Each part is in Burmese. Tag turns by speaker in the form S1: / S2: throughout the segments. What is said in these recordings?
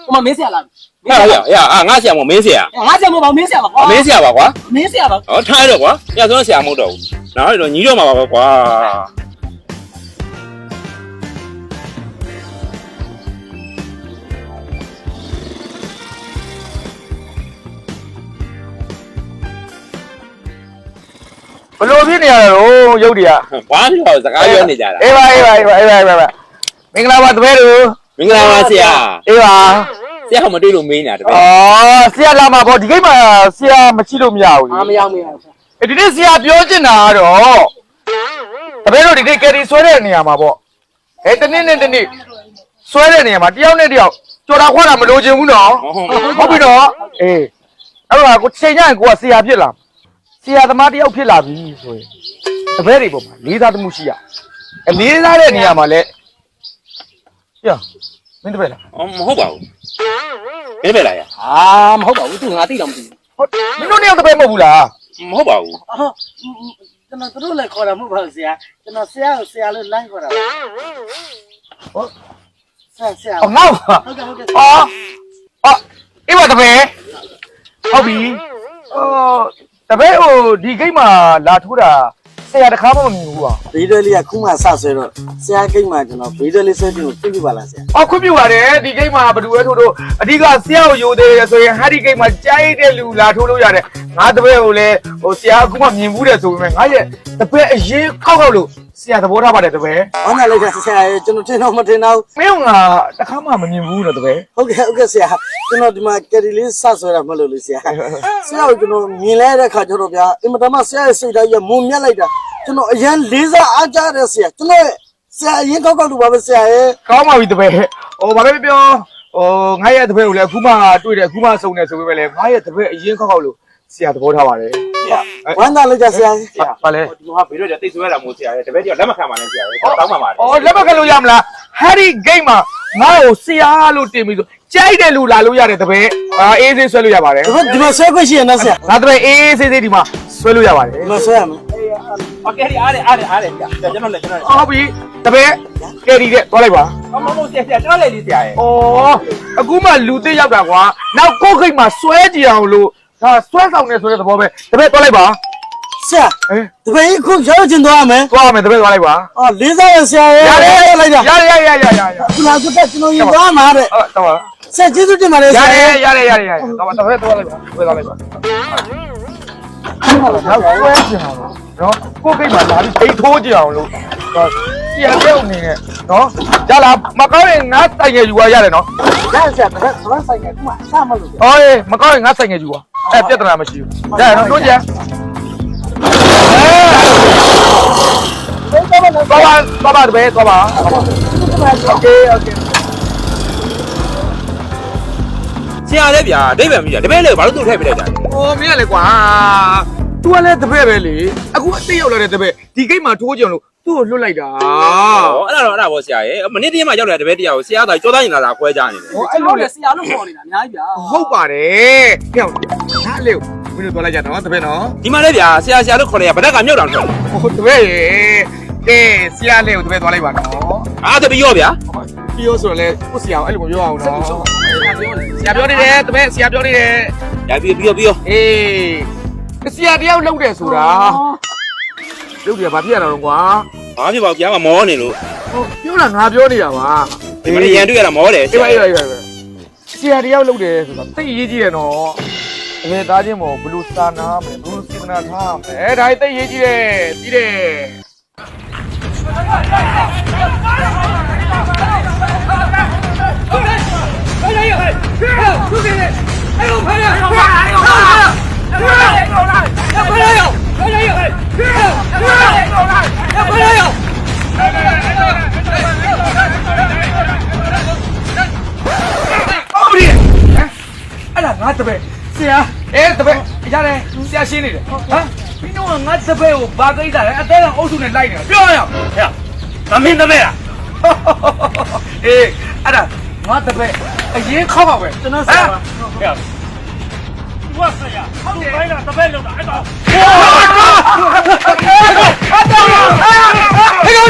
S1: 我们没写了。
S2: 呀，俺羡慕没写。
S1: 俺羡慕吧，没写吧。
S2: 没写吧，瓜。
S1: 没写吧。
S2: 哦，差着瓜，要说羡慕着，然后就你就嘛瓜。
S3: ဘလို့ဖြစ်နေရတော့ရုပ်တွေက
S2: ဘာလို့စကားပြောနေကြတာ
S3: အေးပါမင်္ဂလာပါတပည့်တို့
S2: မင်္ဂလာပါဆရာ
S3: အေးပါ
S2: ဆရာမတွေ့လို့မေးနေတာတပည့်
S3: ဆရာလာမှာပေါ့ဒီကိတ်မှာဆရာမရှိလို့မရဘူး
S1: မရောက်
S3: ဒီနေ့ဆရာပြောချင်တာကတော့တပည့်တို့ဒီနေ့ကယ်ရီဆွဲတဲ့နေရာမှာပေါ့တနေ့နဲ့တနေ့ဆွဲတဲ့နေရာမှာတယောက်နဲ့တယောက်ကြော်တာခွာတာမလိုချင်ဘူးနော်ဟုတ်ပြီနော်အေးအဲ့တော့ကိုချိန်ညရင်ကိုကဆရာဖြစ်လာဆရာသမားတယောက်ဖြစ်လာပြီဆိုရင်တပည့်တွေပေါ့မှာလေးစားမှုရှိရလေးစားတဲ့နေရာမှာလဲပြမင်းတပည့်လား
S2: မဟုတ်ပါဘူးမင်းပဲလား
S1: မဟုတ်ပါဘူးသူငါသိတော့မသိဘူး
S3: ဟုတ်မင်းတို့တယောက်တပည့်မဟုတ်ဘူးလား
S2: မဟုတ်ပါဘူး
S1: ကျွန်တော်တို့လည်းခေါ်တာမဟုတ်ပါဘူးဆရာကျွန်တော်ဆရာကိုဆရာလို့လမ်းခေါ်တာဟုတ်ဆရာ
S3: ငေါ့
S1: ဟုတ်ကဲ့
S3: အေးပါတပည့်ဟုတ်ပြီတပည့်ဟိုဒီဂိတ်မှာလာထိုးတာဆရာတခါမှမမြင်ဘူးပါ
S4: ဗီဒီယိုလေးကခုမှစဆွဲတော့ဆရာဂိတ်မှာကျွန်တော်ဗီဒီယိုလေးဆွဲပြီးခွင့်ပြုပါလားဆရာ
S3: ခွင့်ပြုပါတယ်ဒီဂိတ်မှာဘယ်သူပဲထိုးအဓိကဆရာကိုယူသေးတယ်ဆိုရင်ဟာဒီဂိတ်မှာကြားရတဲ့လူလာထိုးလို့ရတယ်ငါတပည့်ကိုလည်းဟိုဆရာအခုမှမြင်ဘူးတယ်ဆိုပေမဲ့ငါရဲ့တပည့်အရင်ခောက်လို့ဆရာသဘောထားပါတယ်တပည့်
S4: ဟောနာလိုက်တာဆရာကျွန်တော်ထင်တော့မထင်တော့
S3: မင်းကတခါမှမမြင်ဘူးနော်တပည့်
S4: ဟုတ်ကဲ့ဆရာကျွန်တော်ဒီမှာကယ်ရီလေးစဆွဲတာမလို့လေဆရာဆရာကိုကျွန်တော်မြင်လဲတဲ့ခါကျတော့ဗျာအင်မတန်မှဆရာရဲ့စိတ်ဓာတ်ရမုံမြတ်လိုက်တာကျွန်တော်အရန်လေးစားအားကြတယ်ဆရာကျွန်တော်ဆရာအရင်ကောက်လို့ပါပဲဆရာရဲ့
S3: ကောင်းပါပြီတပည့်ဘာပဲပြောငါရဲ့တပည့်ကိုလည်းအခုမှတွေ့တယ်အခုမှစုံတယ်ဆိုပေမဲ့လည်းငါရဲ့တပည့်အရင်ကောက်လို့ဆရာသဘောထားပါတယ်
S4: ဝမ်းသာလိုက်ကြဆရာ
S3: ဘာလဲ
S2: ဒီမှာဗီဒီယိုကြတိတ်ဆွဲတာမို့ဆရာရဲ့တပည့်ကြောက်လက်မခံပါနဲ့ဆရာရဲ့တောင်းပါပါတယ်
S3: လက်မခံလို့ရမလား Harry Game မှာငါ့ကိုဆရာလို့တင်ပြီးဆိုကြိုက်တယ်လူလာလို့ရတယ်တပည့်အေးဆေးဆွဲလို့ရပါတယ်
S4: ဒီမှာဆွဲခွင့်ရှိရနော်ဆရာ
S3: ငါတပည့်အေးဆေးဒီမှာဆွဲလို့ရပါတယ်
S4: ဒီမှာဆွဲရမယ်
S2: โอเคဒီအားရကျွန်တော်လည်း
S3: ဟုတ်ပြီတပည့်ကယ်ရီတဲ့သွားလိုက်ပါ
S2: မဆရာကျွန်တော်လည်းလေးဆရာရဲ့
S3: အခုမှလူသိရောက်တာကွာနောက်ကိုယ်ခိတ်မှာဆွဲကြည့်အောင်လို့ဒါဆွဲဆောင်နေဆိုတဲ့သဘောပဲတပည့်သွားလိုက်ပါ
S4: ဆရာတပည့်ခုရောက်ချင်သွားမယ်
S3: သွားမယ်တပည့်သွားလိုက်ပါ
S4: လေးစားရဆရာရဲ့
S3: ရတယ်လိုက်ကြရ
S4: ခုနကတက်ကျွန်တော်ရင်သွားမှာတဲ့
S3: တော့ပါ
S4: ဆရာကျေးဇူးတင်ပါတယ်ဆရာ
S3: ရတယ်တော့တပည့်သွားလိုက်ပါသွားလိုက်ပါနောက်ဆွဲကြည့်အောင်နော်ကိုယ်ကိတ်မှာလာပြီးအိတ်ထိုးကြည့်အောင်လို့ဆရာပြောနေနဲ့နော်ရလားမကောင်းရင်ငါတိုင်ငယ်ယူရရတယ်နော်
S4: ရဆရာတပည့်ဆိုင်ငယ်ခုမှအဆမလို့
S3: မကောင်းရင်ငါဆိုင်ငယ်ယူပါပြဿနာမရှိဘူးရနော်တို့ကြသွားပါတပည့်သွားပါโอเค
S2: ဆရာလည်းဗျာဒိဗ္ဗံကြီးတပည့်လည်းဘာလို့သူ့ထည့်ပြလိုက်တာ
S3: မင်းကလေကွာ तू ကလည်းတပည့်ပဲလေအခုအသိရောက်လာတဲ့တပည့်ဒီဂိတ်မှာထိုးကြအောင်လို့သူ့ကိုလွတ်လိုက်တာ
S2: အဲ့ဒါပေါ့ဆရာရဲ့မနေ့တည်းမှရောက်လာတဲ့တပည့်တရားကိုဆရာကကြောသားရင်လာခွဲကြနေတယ်
S1: အဲ့လိုလေဆရာလို့ခေါ်နေတာအများကြီးဗျာ
S3: ဟုတ်ပါတယ်ဟဲ့ဟာလေမင်းတို့သွားလိုက်ကြတော့တပည့်နော်
S2: ဒီမှာလည်းဗျာဆရာလို့ခေါ်လိုက်ရဗဒက်ကမြောက်တောင်ထွက်
S3: တပည့်ရေဆရာလေးကိုတပည့်သွားလိုက်ပါနော်
S2: တပည့်ရောဗျာ
S3: ပြီးရောဆိုတော့လေကိုဆရာအဲ့လိုမပြောအောင်နော်ဆရာပြောနေတယ်တပည့်ဆရာပြောနေတယ်
S2: ရပြီး
S3: ဆရာတယောက်လှုပ်တယ်ဆိုတာလှုပ်တယ်ဘာဖြစ်ရတာတော့ကွာ
S2: ဘာဖြစ်ပါ့ဗျာမမောနေလို့
S3: ပြောတာငါပြောနေတာပါ
S2: ဒီမရန်တွေ့ရတာမောတယ်
S3: ဆရာဆရာတယောက်လှုပ်တယ်ဆိုတာသိရေးကြည့်တယ်နော်အမေသားချင်းမို့ဘလူစာနာမယ်ဘလူစေတနာထားမယ်ဒါသိရေးကြည့်တယ်ပြီးတယ်ငါတပည့်ဆရာတပည့်ရတယ်ဆရာရှင်းနေတယ်ဟမ်မင်းတို့ကငါတပည့်ကိုဘာကိစ္စလဲအသေးကအုပ်စုနဲ့လိုက်နေတာပြောရအောင်
S2: ဟဲ့သမင်းတပည့်လား
S3: အဲ့ဒါငါတပည့်အရင်ခောက်ပါပဲ
S4: ကျွန်တော်ဆရာဟဲ့
S2: ဝါဆရာဟုတ်တယ်အဲ့ဒါတပည့်လောက်တာအဲ့ဒါ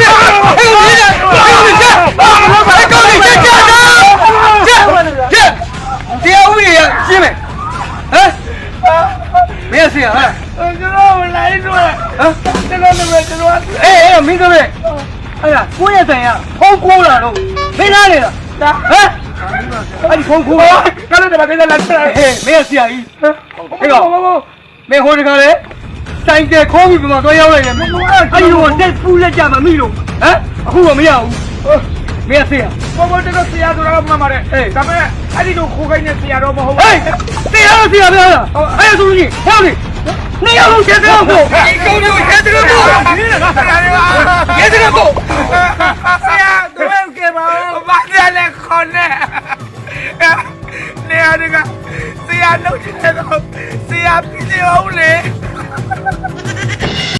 S3: ဟဲ့
S1: မင်းကပဲအဲ့ဒါကိုယ့်ရဲ့ဆိုင်ကဖုန်းခိုးလာတော့မင်းလားလေဟမ်အဲ့ဒီဖုန်းခိုးကလည်းတမကိစ္စလာဟဲ့မင်းဆရာကြီးဟဲ့ကောင်မင်းဟိုတခါလေဆိုင်ကခိုးပြီးမှတော့ရောက်လိုက်တယ်အဲ့ဒီတော့တက်ပူးလက်ကြမမိလို့ဟမ်အခုတော့မရဘူးမင်းဆရာဘောဘောတက်ဆရာတို့တော့မှပါတယ်အေးဒါပေမဲ့အဲ့ဒီတော့ခိုးခိုင်းနေဆရာတော့မဟုတ်ဘူးဟေးဆရာပြောတာအဲ့ဒါဆိုရင်ဟဲ့လေနေရလို့ကျေတော့ကိုဒီကောင်ကိုကျေတော့ကိုကျေတော့ကိုဆရာတို့ကဘာဘာလဲခေါ်နေနေရကဆရာနှုတ်ချင်တော့ဆရာပြည့်အောင်လေ